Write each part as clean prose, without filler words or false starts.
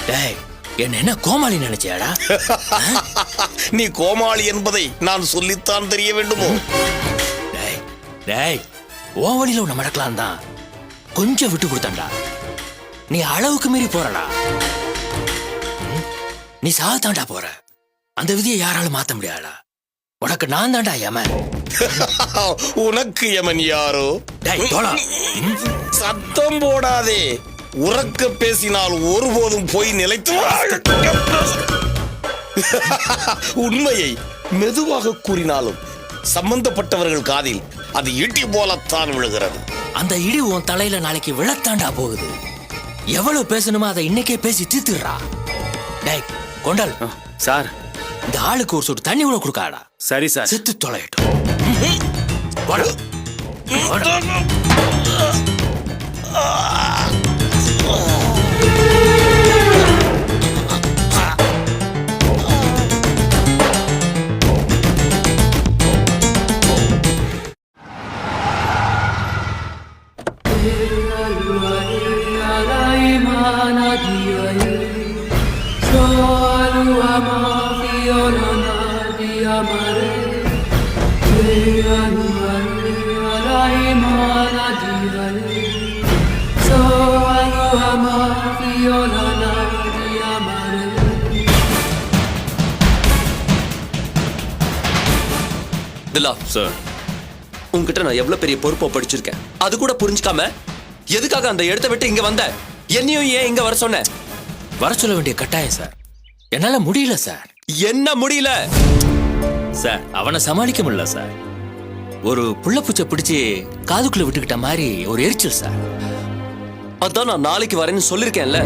டேய், என்ன கோமாளி நினைச்சியாடா? நீ கோமாளி என்பதை நான் சொல்லித்தான் தெரிய வேண்டுமோ? டேய் டேய், உன் வழியில உன்னை மடக்கலாம் தான் கொஞ்சம் விட்டு கொடுத்தான்டா. நீ அளவுக்கு மீறி போறடா. நீ சாகத்தாண்டா போற. அந்த விதியை யாராலும் மாத்த முடியாதா? உனக்கு நான் தாண்டா யமன். உனக்கு யமன் யாரோ? டேய் தோழா, சத்தம் போடாதே. உறக்க பேசினால் ஒருபோதும் போய் நிலைத்து உண்மையை மெதுவாக கூறினாலும் சம்பந்தப்பட்டவர்கள் காதில் அது இடி போலத்தான் விழுகிறது. அந்த இடி உன் தலையில நாளைக்கு விழத்தாண்டா போகுது. எவ்வளவு பேசணுமோ அதை இன்னைக்கே பேசி தீர்த்துடுறா. டேய் கொண்டல் சார், இந்த ஆளுக்கு ஒரு சொட்டு தண்ணி கூட கொடுக்காடா. சரி சார். செத்து தொலையட்டும். வாடா. வாடா. திலா சார், உன்கிட்ட நான் எவ்வளவு பெரிய பொறுப்பை படிச்சிருக்கேன், அது கூட புரிஞ்சுக்காம எதுக்காக அந்த இடத்தை விட்டு இங்க வந்த? என்னையும் ஏன் இங்க வர சொன்ன? வர சொல்ல வேண்டிய கட்டாயம் சார். என்னால முடியல சார். என்ன முடியல சார்? அவனை சமாளிக்க முடியல சார். ஒரு புள்ள பூச்சை பிடிச்சு காதுக்குள்ள விட்டுக்கிட்ட மாதிரி ஒரு எரிச்சல் சார். அதான் நான் நாளைக்கு வரேன்னு சொல்லிருக்கேன்ல.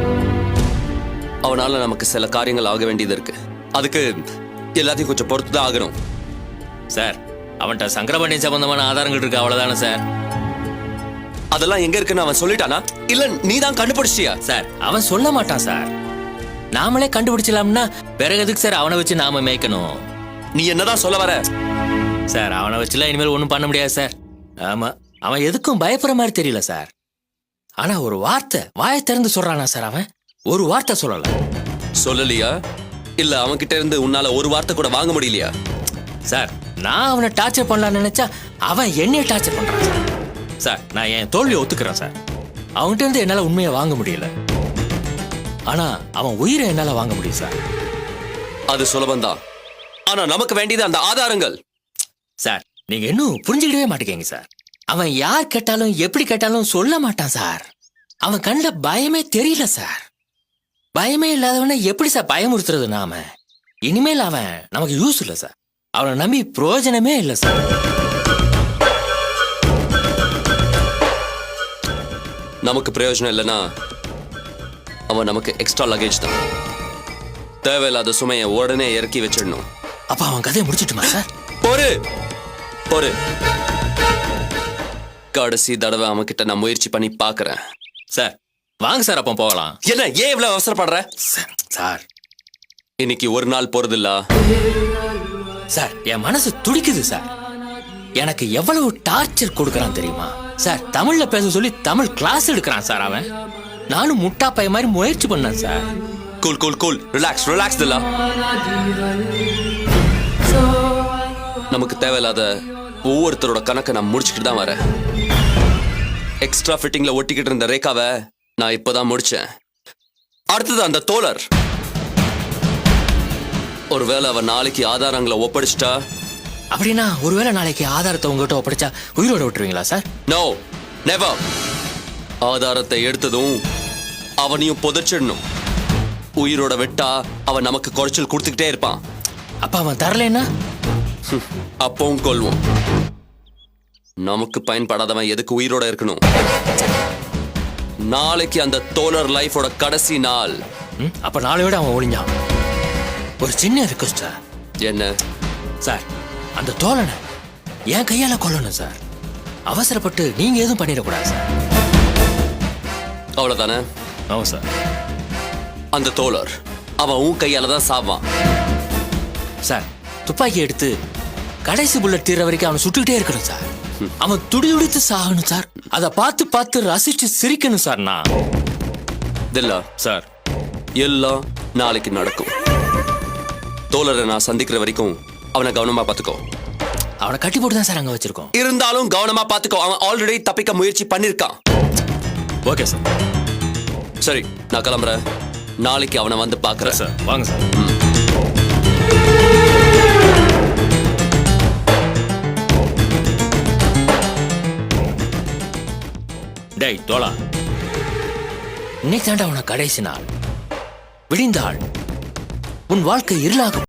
அவனால நமக்கு சில காரியங்கள் ஆக வேண்டியது இருக்கு. அதுக்கு எல்லாத்தையும் கொஞ்சம் பொறுத்துதான் ஆகணும் சார். அவன்கிட்ட சங்கரபாண்டியன் சம்பந்தமான ஆதாரங்கள் இருக்கு, அவ்வளவுதானே சார்? அதெல்லாம் எங்க இருக்குன்னு அவன் சொல்லிட்டானா, இல்ல நீ தான் கண்டுபிடிச்சிட்டியா? சார் அவன் சொல்ல மாட்டான் சார். நாமளே கண்டுபிடிச்சலாம்னா பிறகு எதுக்கு சார் அவனை வச்சு நாம மேய்க்கணும்? நீ என்னதான் சொல்ல வர? சார் அவனை வச்சுலாம் இனிமேல் ஒன்றும் பண்ண முடியாது சார். ஆமா, அவன் எதுக்கும் பயப்படுற மாதிரி தெரியல சார். ஆனா ஒரு வார்த்தை வாயை திறந்து சொல்றானா சார்? அவன் ஒரு வார்த்தை சொல்லல. சொல்லலையா? இல்ல அவன் கிட்ட இருந்து உன்னால ஒரு வார்த்தை கூட வாங்க முடியலையா? சார் நான் அவனை டார்ச்சர் பண்ணலாம்னு நினைச்சா அவன் என்னைய டார்ச்சர் பண்றான் சார். சார் நான் என் தோல்வியை ஒத்துக்கிறேன் சார். அவன்கிட்ட இருந்து என்னால உண்மையை வாங்க முடியல. ஆனா அவன் உயிரை என்னால வாங்க முடியும் சார். அது சுலபந்தான். ஆனா நமக்கு வேண்டியது அந்த ஆதாரங்கள். சார் நீங்க இன்னும் புரிஞ்சுக்கிட்டவே மாட்டேங்க சார். அவன் யார் கேட்டாலும் எப்படி கேட்டாலும் சொல்ல மாட்டான் சார். அவன் கண்ணுல பயமே தெரியல சார். பயமே இல்லாதவனை எப்படி சார் பயமுறுத்துறது நாம? இனிமேல் அவன் நமக்கு யூஸ் இல்லை சார். அவனை நம்பி பிரயோஜனமே இல்லை சார். நமக்கு பிரயோஜனம் இல்லைன்னா அவன் நமக்கு எக்ஸ்ட்ரா லக்கேஜ் தான். தேவையில்லாத சுமையை உடனே இறக்கி வச்சிடணும். அப்ப அவன் கதையை முடிச்சிட்டுமா சார்? பொறு பொறு, கடைசி தடவை அவன் கிட்ட நான் முயற்சி பண்ணி பாக்குறேன். சார் வாங்க சார், அப்போ போகலாம். என்ன ஏன் இவ்வளவு அவசரப்படுற? சார் இன்னைக்கு ஒரு நாள் போறதில்ல சார். என் மனசு துடிக்குது சார். எனக்கு எவ்வளவு டார்ச்சர் கொடுக்கறான் தெரியுமா சார்? தமிழ்ல பேச சொல்லி தமிழ் கிளாஸ் எடுக்கிறான் சார் அவன். நானும் முட்டா பைய மாதிரி முயற்சி பண்ணேன் sir. Cool cool cool, relax relax தில்லா. நமக்கு தேவையில்லாத ஒவ்வொருத்தரோட கணக்கை நான் முடிச்சுக்கிட்டு தான் வரேன். எக்ஸ்ட்ரா ஃபிட்டிங்ல ஒட்டிக்கிட்டு இருந்த ரேகாவை நான் இப்பதான் முடிச்சேன். அடுத்தது அந்த தோழர். ஒருவேளை அவன் நாளைக்கு ஆதாரங்களை ஒப்படைச்சிட்டா? அப்படின்னா ஒருவேளை நாளைக்கு ஆதாரத்தை உங்ககிட்ட ஒப்படைச்சா உயிரோட விட்டுருவீங்களா சார்? No, never. ஆதாரத்தை எடுத்ததும் அவனையும் புதைச்சிடணும். உயிரோட விட்டா அவன் நமக்கு குறைச்சல் கொடுத்துக்கிட்டே இருப்பான். அப்ப அவன் தரலன்னா அப்பவும் கொல்வோம். நமக்கு பயன்படாதவன் எதுக்கு உயிரோட இருக்கணும்? நாளைக்கு அந்த தோழர் லைஃபோட கடைசி நாள். அப்ப நாளையோட அவன் ஒளிஞ்சான். ஒரு சின்ன ரிக்வெஸ்ட் சார். என்ன சார்? அந்த தோழனை என் கையால கொல்லணும் சார். அவசரப்பட்டு நீங்க எதுவும் பண்ணிடக்கூடாது சார். அவ்வளவுதானே? ஆமா சார். அந்த தோழர் அவன் உன் கையால தான் சாவான். சார் துப்பாக்கி எடுத்து கடைசி புல்லட் தீர வரைக்கும் அவனை சுட்டுக்கிட்டே இருக்கணும் சார். அவன் துடி துடித்து சாகணும் சார். அதை பார்த்து பார்த்து ரசிச்சு சிரிக்கணும் சார். நான் தில்லா சார் எல்லாம் நாளைக்கு நடக்கும். தோழரை நான் சந்திக்கிற வரைக்கும் அவனை கவனமா பாத்துக்கோ. அவனை கட்டி போட்டு தான் சார் அங்க வச்சிருக்கோம். இருந்தாலும் கவனமா பாத்துக்கோ. அவன் ஆல்ரெடி தப்பிக்க முயற்சி பண்ணிருக்கான். Okay sir. சரி, நான் கிளம்புறேன். நாளைக்கு அவனை வந்து பாக்குறேன். சார் வாங்க சார். டேய் தோழா, இன்னைக்கு தாண்டா உனக்கு கடைசி நாள். விடிந்தாள் உன் வாழ்க்கை இருளாகும்.